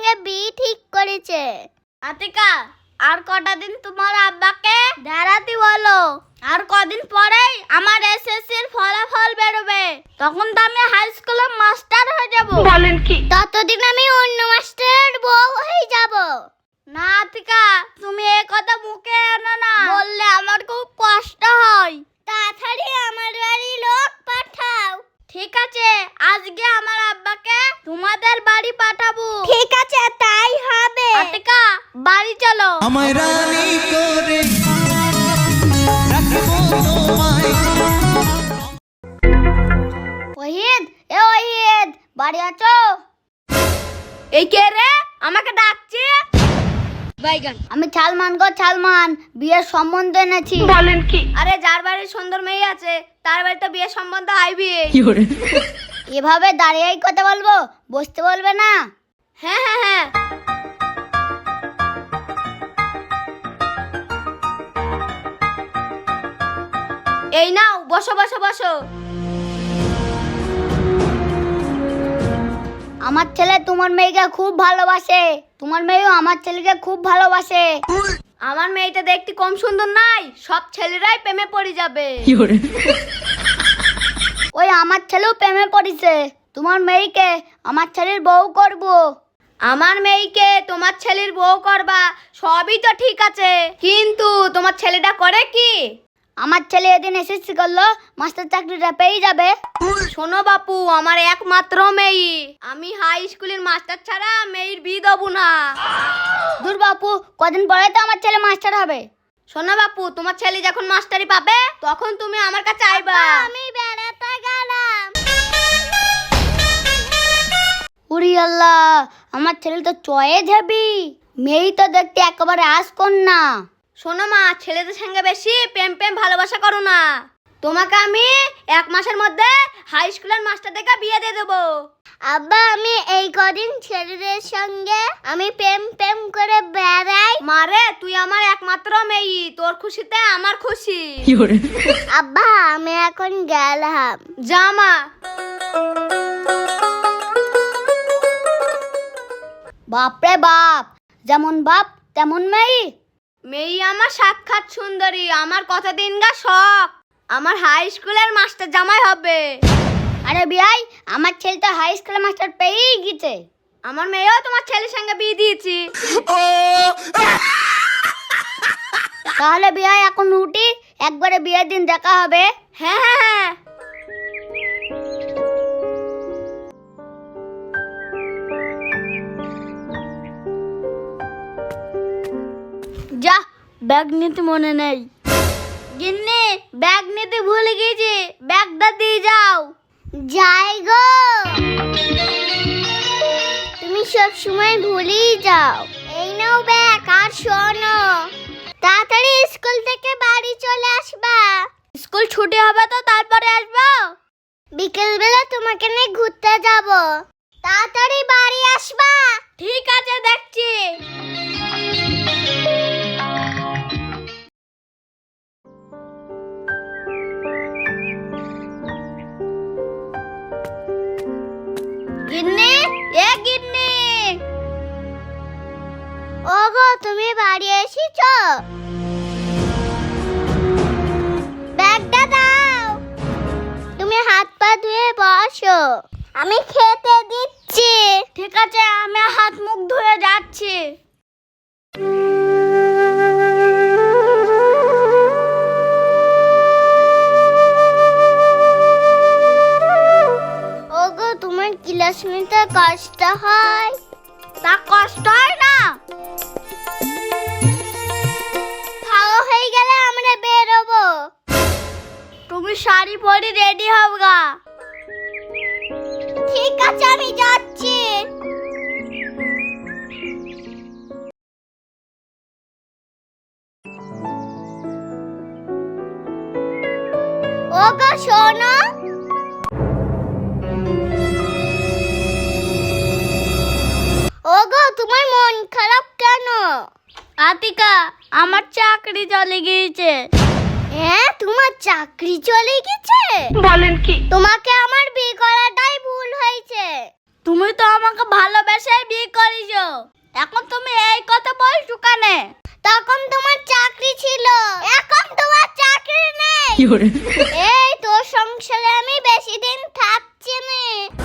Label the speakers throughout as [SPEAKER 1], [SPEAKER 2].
[SPEAKER 1] সঙ্গে বিয়ে ঠিক করেছে।
[SPEAKER 2] আতিকা, আর কটা দিন তোমার আব্বাকে দাঁড়াতে বলো। আর কদিন পরেই আমার এসএসসির ফলাফল বেরোবে, তখন তো আমি হাই স্কুলের মাস্টার হয়ে যাব।
[SPEAKER 1] বলেন কি? ততদিন আমি অন্য মাস্টারের বউ হয়ে যাব।
[SPEAKER 2] না আতিকা, তুমি এই কথা মুখে এনো না, বললে আমার খুব কষ্ট হয়।
[SPEAKER 1] তাড়াতাড়ি আমার বাড়ি লোক পাঠাও।
[SPEAKER 2] ঠিক আছে, আজকে আমার আব্বাকে তোমাদের বাড়ি পাঠাবো।
[SPEAKER 1] ঠিক আছে, তাই হবে।
[SPEAKER 2] আতিকা, বাড়ি চলো।
[SPEAKER 3] আমায় রানী করে রাখবো তোমায়।
[SPEAKER 1] ওহিদ, এ ওহিদ, বাড়ি আছো?
[SPEAKER 2] এই কে রে, আমাকে ডাকছে? বাইগান।
[SPEAKER 1] আমি সালমান গো সালমান, বিয়ের সম্বন্ধ এনেছি।
[SPEAKER 2] বলেন কি? আরে যার বাড়ির সুন্দর মেয়ে আছে তার বাড়িতে বিয়ের সম্বন্ধ আইবি।
[SPEAKER 1] এভাবে দাঁড়িয়েই কথা বলবো, বসতে বলবে না?
[SPEAKER 2] হ্যাঁ হ্যাঁ হ্যাঁ। এই নাও, বসো বসো বসো।
[SPEAKER 1] আমার ছেলে তোমার মেয়েকে খুব ভালোবাসে, তোমার মেয়েও আমার ছেলেকে খুব ভালোবাসে।
[SPEAKER 2] আমার মেয়েটা দেখতে কম সুন্দর নাই, সব ছেলেরাই প্রেমে পড়ে যাবে।
[SPEAKER 1] ওই আমার ছেলেও প্রেমে পড়েছে, তোমার মেয়েকে আমার ছেলের বউ করব।
[SPEAKER 2] আমার মেয়েকে তোমার ছেলের বউ করবা, সবই তো ঠিক আছে, কিন্তু তোমার ছেলেটা করে কি?
[SPEAKER 1] আমার ছেলে এদিন এসএসসি করলো, মাস্টার চাকরিটা পেয়ে যাবে।
[SPEAKER 2] শোনো বাপু, আমার একমাত্র মেয়ে, আমি হাই স্কুলের মাস্টার ছাড়া মেয়ের বিয়ে দেবো না।
[SPEAKER 1] দূর বাপু, কদিন পরে তো আমার ছেলে মাস্টার হবে।
[SPEAKER 2] শোনো বাপু, তোমার ছেলে যখন মাস্টারি পাবে তখন তুমি আমার কাছে আইবা।
[SPEAKER 1] আমি বেড়াতে গেলাম। উরি আল্লাহ, আমার ছেলে তো চয়ে যাবি, মেয়ে তো দেখতে একেবারে আসকন্যা।
[SPEAKER 2] শোনো মা, ছেলেদের সঙ্গে বেশি প্রেম প্রেম ভালোবাসা করো না। তোমাকে আমি 1 মাসের মধ্যে হাই স্কুলের মাস্টার থেকে বিয়ে দিয়ে দেবো।
[SPEAKER 1] আব্বা, আমি এই কদিন ছেলেদের সঙ্গে আমি প্রেম প্রেম করে বেড়াই।
[SPEAKER 2] মারে, তুই আমার একমাত্র মেয়ে, তোর খুশিতে আমার খুশি।
[SPEAKER 1] আব্বা, আমি এখন গেলাম।
[SPEAKER 2] যা মা।
[SPEAKER 1] বাপরে বাপ, যেমন বাপ তেমন মেয়ে।
[SPEAKER 2] মেয়ে আমার সাক্ষাৎ সুন্দরী, আমার কতদিন গা শখ আমার হাই স্কুলের মাস্টার জামাই হবে।
[SPEAKER 1] আরে বিয়াই, আমার ছেলে তো হাই স্কুলের মাস্টার পেয়েই গেছে।
[SPEAKER 2] আমার মেয়েও তোমার ছেলের সঙ্গে বিয়ে দিয়েছি।
[SPEAKER 1] তাহলে বিয়াই এখন উঠি, একবারে বিয়ের দিন দেখা হবে।
[SPEAKER 2] হ্যাঁ হ্যাঁ হ্যাঁ।
[SPEAKER 1] যা, ব্যাগ নিতে মনে নেই।
[SPEAKER 2] গিন্নি, ব্যাগ নিতে ভুলে গেছি, ব্যাগটা দিয়ে যাও।
[SPEAKER 1] যাই গো, তুমি সব সময় ভুলেই যাও। এই নাও ব্যাগ, আর শোনো, তাড়াতাড়ি স্কুল থেকে বাড়ি চলে আসবা।
[SPEAKER 2] স্কুল ছুটি হবে তো তারপরে আসবো।
[SPEAKER 1] বিকেল বেলা তোমাকে নিয়ে ঘুরতে যাব, তাড়াতাড়ি বাড়ি আসবা।
[SPEAKER 2] ঠিক আছে, দেখছি। গিন্নি, এ গিন্নি।
[SPEAKER 1] ওগো, তুমি বাড়ি এসেছো? ব্যাগটা দাও। তুমি হাত পা ধুয়ে বসো, আমি খেতে দিচ্ছি।
[SPEAKER 2] ঠিক আছে, আমি হাত মুখ ধুয়ে যাচ্ছি।
[SPEAKER 1] ওগো, তোমার ক্লাস নিতে কষ্ট হয়?
[SPEAKER 2] তা কষ্ট হয় না?
[SPEAKER 1] খাওয়া হয়ে গেলে আমরা বেরোবো।
[SPEAKER 2] তুমি শাড়ি পরে রেডি হবগা।
[SPEAKER 1] ঠিক আছে, আমি যাচ্ছি। ওগো শোনো, ওগো তোমার মন খারাপ কেন?
[SPEAKER 2] আতিকা, আমার চাকরি চলে গিয়েছে।
[SPEAKER 1] হ্যাঁ, তোমার চাকরি চলে গেছে?
[SPEAKER 2] বলেন কি?
[SPEAKER 1] তোমাকে আমার বিয়ে করাটাই ভুল হয়েছে।
[SPEAKER 2] তুমি তো আমাকে ভালোবেসে বিয়ে করেছো। এখন তুমি এই কথা বলছো কেন?
[SPEAKER 1] তখন তোমার চাকরি ছিল, এখন তোমার চাকরি নেই। এই তোর সংসারে আমি বেশি দিন থাকছি না।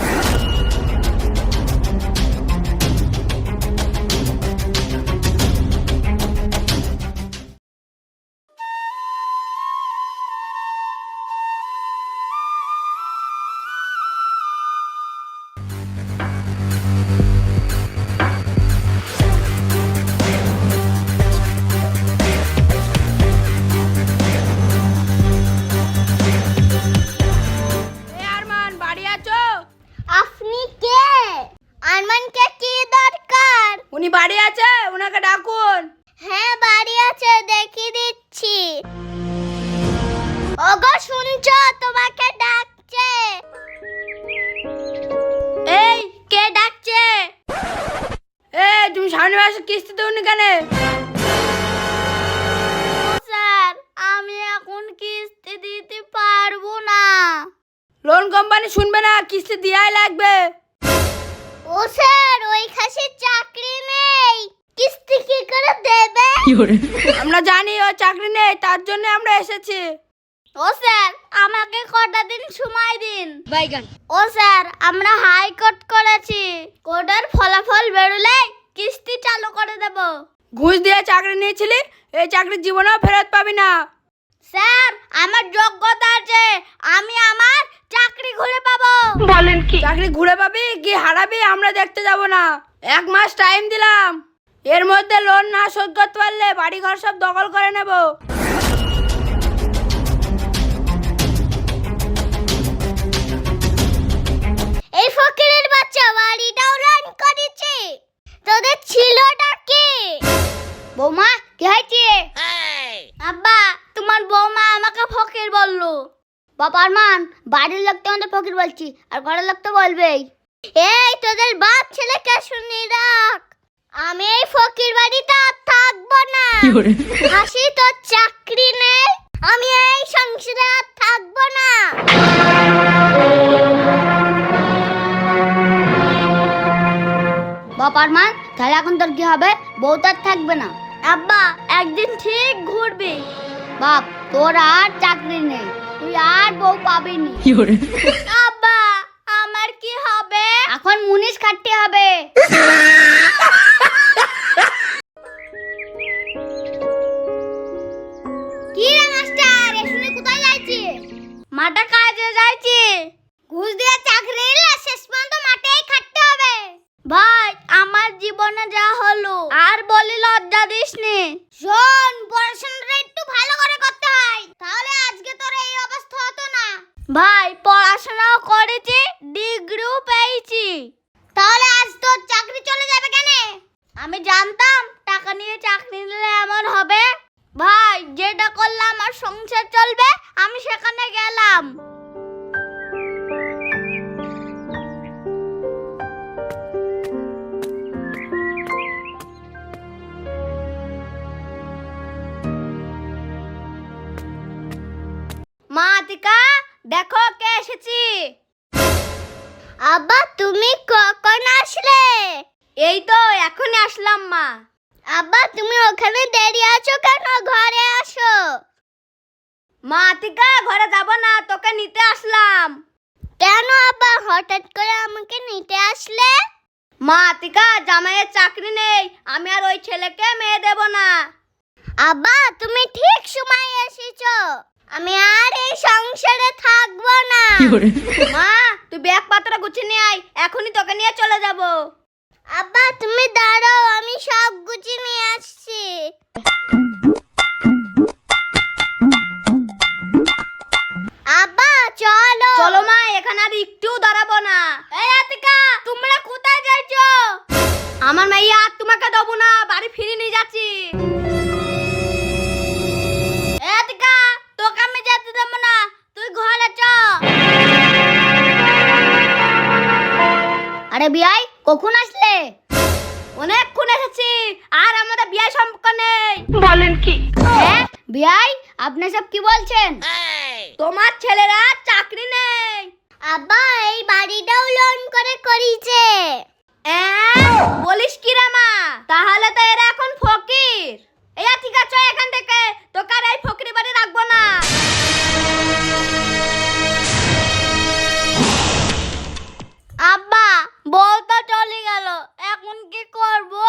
[SPEAKER 2] আরমান বাড়ি আছো?
[SPEAKER 1] আপনি কে? আরমানকে কি দরকার?
[SPEAKER 2] উনি বাড়ি আছে, ওনাকে ডাকুন।
[SPEAKER 1] হ্যাঁ বাড়ি আছে, দেখিয়ে দিচ্ছি। ওগো শুনছো, তোমাকে ডাকছে।
[SPEAKER 2] এই কে ডাকছে? এই তুমি সামনে মাসে কিস্তি দেওনি কেন? স্যার আমি এখন কিস্তি দিতে পারবো না। লোন কোম্পানি শুনবে না, কিস্তি দেয়াই লাগবে।
[SPEAKER 1] ও স্যার, ওই খাসির চাকরি নেই, কিস্তি কি করে দেবে?
[SPEAKER 2] আমরা জানি ও চাকরি নেই, তার জন্য আমরা এসেছি। ও স্যার আমাকে কটা দিন সময় দিন। ও স্যার আমরা হাইকোর্ট করেছি, কোর্টের ফলাফল বেরোলে কিস্তি চালু করে দেব। ঘুষ দিয়ে চাকরি নিয়েছিলি, এই চাকরি জীবনেও ফেরত পাবি না। স্যার আমার যোগ্যতা আছে, আমি আমার চাকরি ঘুরে পাবো। বলেন কি? চাকরি ঘুরে পাবি কি হারাবি আমরা দেখতে যাব না। 1 মাস টাইম দিলাম, এর মধ্যে লোন না শোধ করতে পারলে বাড়ি ঘর সব দখল করে নেব।
[SPEAKER 1] এই ফকিরের বাচ্চা বাড়িটাও লোন করেছে, তোদের ছিলটা কি?
[SPEAKER 2] বৌমা কি হয়েছে? আব্বা তোমার বৌমা আমাকে ফকির বললো। বাবা আরমান, বাড়ির লোক তো আমাদের ফকির বলছি, আর ঘরের লোক তো বলবেই।
[SPEAKER 1] এই তোদের বাপ ছেলেকে শুনি রাখ, আমি এই ফকির বাড়িতে আর থাকবো না। হাসি তোর চাকরি নেই, আমি এই সংসারে আর থাকবো না।
[SPEAKER 2] বাবা আরমান, তাহলে এখন তোর কি হবে? বউ তো আর থাকবে না। আব্বা একদিন ঠিক ঘুরবি। বাপ তোর আর চাকরি নেই, তুই আর বউ পাবি নি। আব্বা আমার কি হবে? এখন মুনিশ খাটতে হবে।
[SPEAKER 1] কি রে মাস্টার, এসুনে কোথায় যাইছি?
[SPEAKER 2] মাঠে কাজে যাইছি।
[SPEAKER 1] ঘুষ দিয়ে চাকরি নিলে শেষ পর্যন্ত মাঠেই খাটতে হবে।
[SPEAKER 2] ভাই আমার জীবনে যা হলো আর বলি লজ্জা দিস নি।
[SPEAKER 1] শোন, পড়াশোনাটা একটু ভালো করে করতে হয়, তাহলে আজকে তোর এই অবস্থা হতো না।
[SPEAKER 2] ভাই পড়াশোনাও করেছি, ডিগ্রিও পেয়েছি,
[SPEAKER 1] তাহলে আজ তোর চাকরি চলে যাবে কেন?
[SPEAKER 2] আমি জানতাম টাকা নিয়ে চাকরি নিলে এমন হবে। ভাই যেটা করলে আমার সংসার চলবে আমি সেখানে গেলাম। মা আতিকা, দেখো কে এসেছি।
[SPEAKER 1] আব্বা তুমি কখন আসলে?
[SPEAKER 2] এই তো এখনই আসলাম মা।
[SPEAKER 1] আব্বা তুমি ওখানে দাঁড়িয়ে আছো কেন? ঘরে আসো।
[SPEAKER 2] মা আতিকা ঘরে যাব না, তোকে নিতে আসলাম।
[SPEAKER 1] কেন আব্বা হঠাৎ করে আমাকে নিতে আসলে?
[SPEAKER 2] মা আতিকা জামাইয়ের চাকরি নেই, আমি আর ওই ছেলেকে মেয়ে দেব না।
[SPEAKER 1] আব্বা তুমি ঠিক সময় এসেছো, আমি আর এই সংসারে থাকবো না।
[SPEAKER 2] মা তুই ব্যাগ পাত্র গুছিয়ে নিয়ে আয়, এখনই তোকে নিয়ে চলে যাব।
[SPEAKER 1] আব্বা তুমি দাঁড়াও, আমি সব গুছিয়ে নিয়ে আসছি। আব্বা চলো।
[SPEAKER 2] চলো মা, এখানে আর একটু দাঁড়াবো না। এই আতিকা তোমরা কোথায় যাইছো? আমার মেয়ে আর তোমাকে দেবো না, বাড়ি ফিরে নিয়ে যাচ্ছি। এই আতিকা তোকে আমি যেতে দেবো না, তুই ঘরে চ। আরে বিয়াই কখন আসলে? অনেকক্ষণ এসেছি, আর আমাদের বিয়ে সম্পর্ক নেই। বলেন কি? হ্যাঁ বিয়াই, আপনি সব কি বলছেন? তোমার ছেলেরা চাকরি নেই।
[SPEAKER 1] আব্বা এই বাড়িটাও লোন করে করিছে।
[SPEAKER 2] বলিস কি রে মা?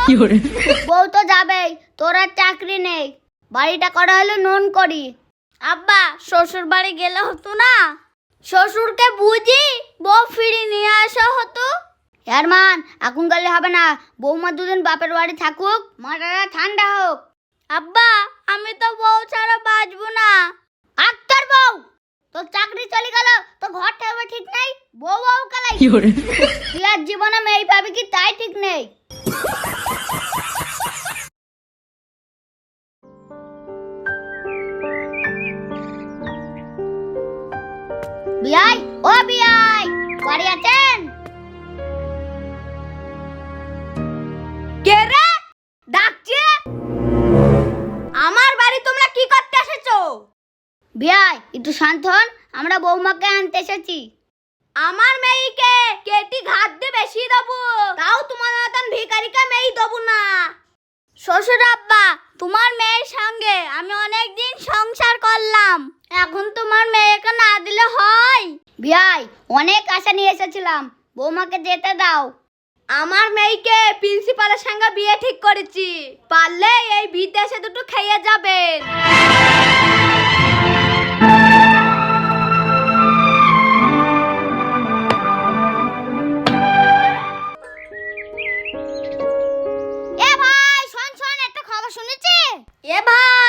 [SPEAKER 1] বউ তো যাবেই, তোর আর চাকরি নেই, বাড়িটা করা হলো নুন করি।
[SPEAKER 2] আব্বা শ্বশুর বাড়ি গেলে হতো না? শ্বশুরকে বুঝি বউ ফিরে নিয়ে আসা হতো।
[SPEAKER 1] মান এখন গেলে হবে না, বৌমা দুদিন বাপের বাড়ি থাকুক, মাথাটা ঠান্ডা হোক।
[SPEAKER 2] আব্বা আমি তো বউ ছাড়া বাঁচবো না।
[SPEAKER 1] আক্তার বউ, তোর চাকরি চলে গেল, তো ঘর থাকবে ঠিক নেই, বউ বউ কালাই তুই আর জীবনে মেয়ে পাবি কি তাই ঠিক নেই। বিয়াই, ও বিয়াই, বাড়ি আছেন?
[SPEAKER 2] কে রে ডাকছে? আমার বাড়ি তোমরা কি করতে এসেছো?
[SPEAKER 1] বিয়াই একটু শান্ত হন, আমরা বৌমাকে আনতে এসেছি।
[SPEAKER 2] আমার মেয়েকে কেটি ঘাত দিয়ে বেশি দেবো, তাও তোমার মতন ভিখারিকে মেয়ে দেবো না। শ্বশুর আব্বা, তোমার মেয়ের সঙ্গে আমি অনেক দিন সংসার করলাম, এখন তোমার মেয়েকে না দিলে হয়?
[SPEAKER 1] বিয়াই অনেক আশা নিয়ে এসেছিলাম, বৌমাকে যেতে দাও।
[SPEAKER 2] আমার মেয়েকে প্রিন্সিপালের সঙ্গে বিয়ে ঠিক করেছি, পারলে এই বিদেশে দুটো খেয়ে যাবেন।
[SPEAKER 1] এ ভাই শোন শোন, একটা খবর শুনেছি।
[SPEAKER 2] এ ভাই